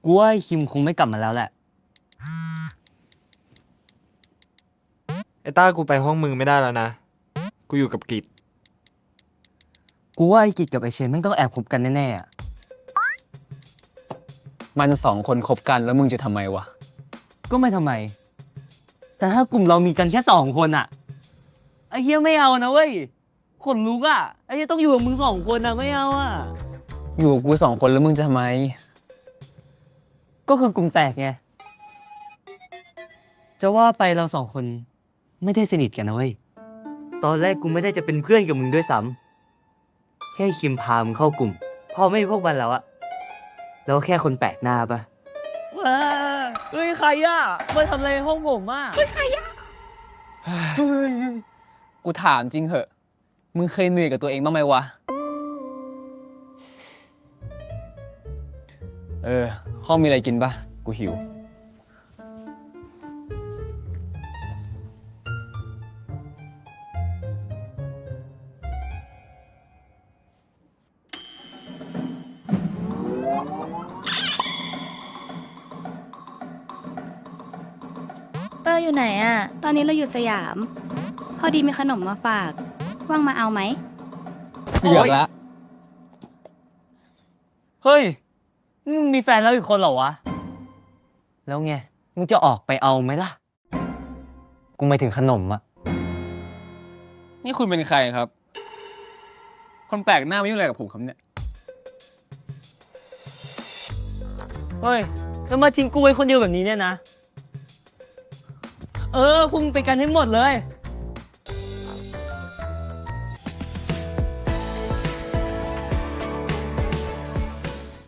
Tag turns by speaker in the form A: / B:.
A: กูว่าไอ้คิมคงไม่กลับมาแล้วแหละ
B: ไอ้ต้ากูไปห้องมึงไม่ได้แล้วนะ กูอยู่กับกิจ
A: กูว่าไอ้กิจกับไอ้เชนแม่งต้องแอบคบกันแน่ๆอะ
C: มันสองคนคบกันแล้วมึงจะทำไมวะ
A: ก็ไม่ทำไม แต่ถ้ากลุ่มเรามีกันแค่2 คนอะไอ้เหี้ยไม่เอานะเว้ยขนลุกอะไอ้เหี้ยต้องอยู่กับมึง2 คนอะไม่เอาอะ
C: อยู่กับกูสองคนแล้วมึงจะทำไม
A: ก็คือกลุ่มแตกไง จะว่าไปเรา2 คนไม่ได้สนิทกันนะเว้ย ตอนแรกกูไม่ได้จะเป็นเพื่อนกับมึงด้วยซ้ำแค่คิมพามึงเข้ากลุ่ม พอไม่มีพวกมันแล้วอะแล้วแค่คนแปลกหน้าปะเฮ้ยใครอะมาทำอะไรในห้องผมอะ
C: กูถามจริงเหอะ มึงเคยเหนื่อยกับตัวเองบ้างไหมวะ ห้องมีอะไรกินปะกูหิว
D: เปอร์อยู่ไหนอะตอนนี้เราอยู่สยาม พอดีมีขนมมาฝาก ว่างมาเอาไหม
C: เสือกละ
A: เฮ้ยมึงมีแฟนแล้วอีกคนเหรอวะ แล้วไง มึงจะออกไปเอาไหมล่ะ กูไม่ถึงขนมอะ
C: นี่คุณเป็นใครครับ คนแปลกหน้าไม่ยุ่งอะไรกับผมครับเนี่ย
A: เฮ้ยแล้วมาทิ้งกูไว้คนเดียวแบบนี้เนี่ยนะ พวกมึงไปกันให้หมดเลย